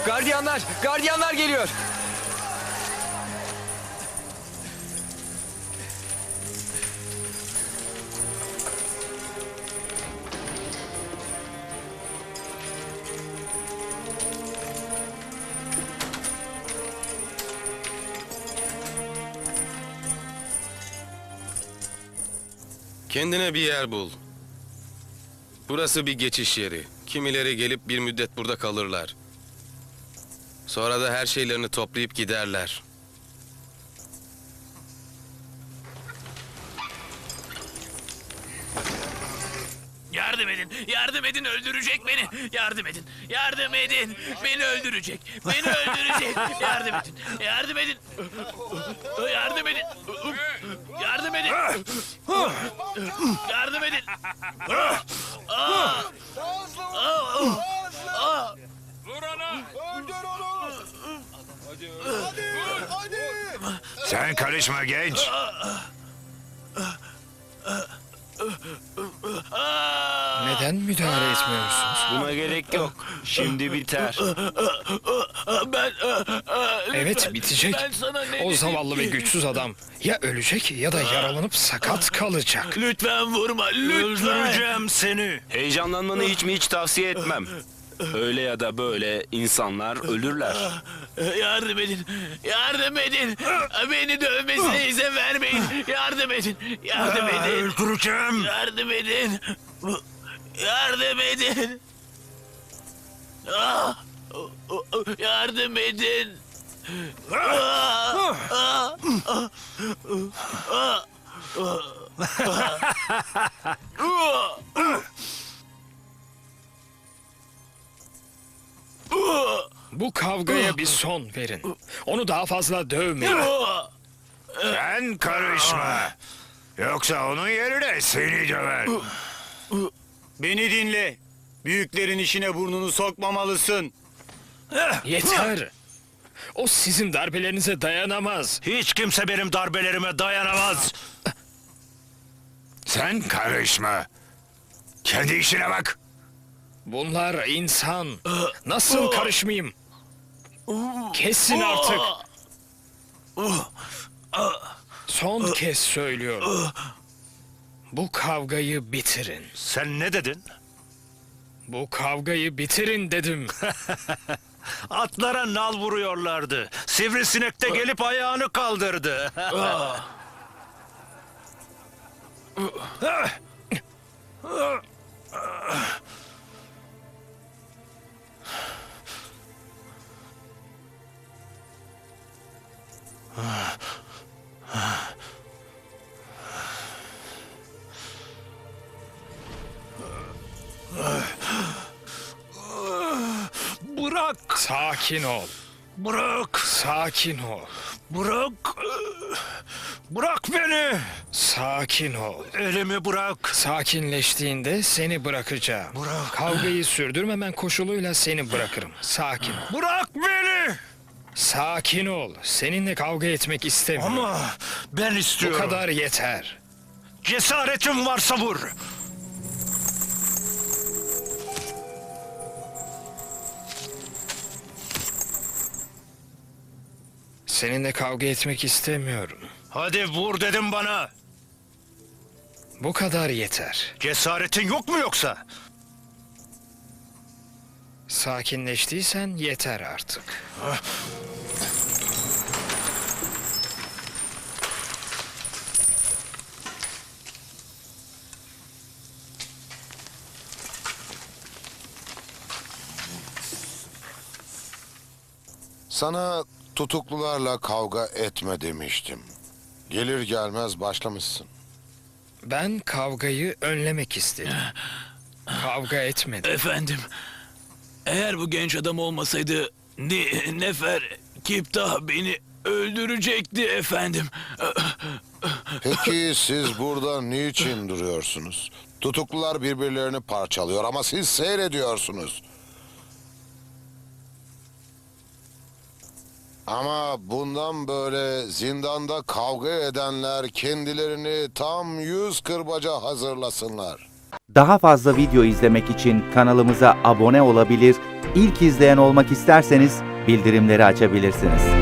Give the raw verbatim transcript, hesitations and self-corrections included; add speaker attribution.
Speaker 1: Gardiyanlar! Gardiyanlar geliyor!
Speaker 2: Kendine bir yer bul. Burası bir geçiş yeri. Kimileri gelip bir müddet burada kalırlar. Sonra da her şeylerini toplayıp giderler.
Speaker 3: Yardım edin, yardım edin, öldürecek beni. Yardım edin, yardım edin. Beni öldürecek, beni öldürecek. Yardım edin, yardım edin. Yardım edin. Yardım edin. Yardım edin.
Speaker 4: Sen karışma genç.
Speaker 5: Neden müdahale etmiyorsunuz?
Speaker 6: Buna gerek yok. Şimdi biter.
Speaker 3: Ben...
Speaker 5: Evet, bitecek.
Speaker 3: Ben sana ne
Speaker 5: O
Speaker 3: dedim
Speaker 5: zavallı ve
Speaker 3: ki?
Speaker 5: güçsüz adam ya ölecek ya da yaralanıp sakat kalacak.
Speaker 3: Lütfen vurma, lütfen.
Speaker 4: Öldüreceğim seni.
Speaker 6: Heyecanlanmanı hiç mi hiç tavsiye etmem. Öyle ya da böyle insanlar ölürler.
Speaker 3: Yardım edin, yardım edin. Beni dövmesine izin vermeyin. Yardım edin, yardım edin.
Speaker 4: Öldüreceğim.
Speaker 3: Yardım edin. Yardım edin. Ah! Yardım edin. Ah! Ah! Ah!
Speaker 5: Bu kavgaya bir son verin. Onu daha fazla dövmeyin.
Speaker 4: Sen karışma. Yoksa onun yerine seni döver.
Speaker 7: Beni dinle. Büyüklerin işine burnunu sokmamalısın.
Speaker 5: Yeter. O sizin darbelerinize dayanamaz.
Speaker 4: Hiç kimse benim darbelerime dayanamaz. Sen karışma. Kendi işine bak.
Speaker 5: Bunlar insan. Nasıl karışmayayım? Kesin artık. Son kez söylüyorum. Bu kavgayı bitirin.
Speaker 4: Sen ne dedin?
Speaker 5: Bu kavgayı bitirin dedim.
Speaker 4: Atlara nal vuruyorlardı. Sivrisinek de gelip ayağını kaldırdı. Bırak,
Speaker 5: Sakin ol.
Speaker 4: bırak,
Speaker 5: Sakin ol.
Speaker 4: bırak. Bırak beni.
Speaker 5: Sakin ol.
Speaker 4: Elimi bırak.
Speaker 5: Sakinleştiğinde seni bırakacağım.
Speaker 4: Bırak.
Speaker 5: Kavgayı sürdürmemen koşuluyla seni bırakırım. Sakin ol.
Speaker 4: Bırak beni.
Speaker 5: Sakin ol. Seninle kavga etmek istemiyorum.
Speaker 4: Ama ben
Speaker 5: Bu
Speaker 4: istiyorum.
Speaker 5: kadar yeter.
Speaker 4: Cesaretin varsa vur.
Speaker 5: Seninle kavga etmek istemiyorum.
Speaker 4: Hadi vur dedim bana.
Speaker 5: Bu kadar yeter.
Speaker 4: Cesaretin yok mu yoksa?
Speaker 5: Sakinleştiysen yeter artık.
Speaker 8: Sana tutuklularla kavga etme demiştim. Gelir gelmez başlamışsın.
Speaker 5: Ben kavgayı önlemek istedim. Kavga etmedim.
Speaker 3: Efendim, eğer bu genç adam olmasaydı Ni Nefer Kiptah beni öldürecekti efendim.
Speaker 8: Peki siz burada niçin duruyorsunuz? Tutuklular birbirlerini parçalıyor ama siz seyrediyorsunuz. Ama bundan böyle zindanda kavga edenler kendilerini tam yüz kırbaca hazırlasınlar.
Speaker 9: Daha fazla video izlemek için kanalımıza abone olabilir, ilk izleyen olmak isterseniz bildirimleri açabilirsiniz.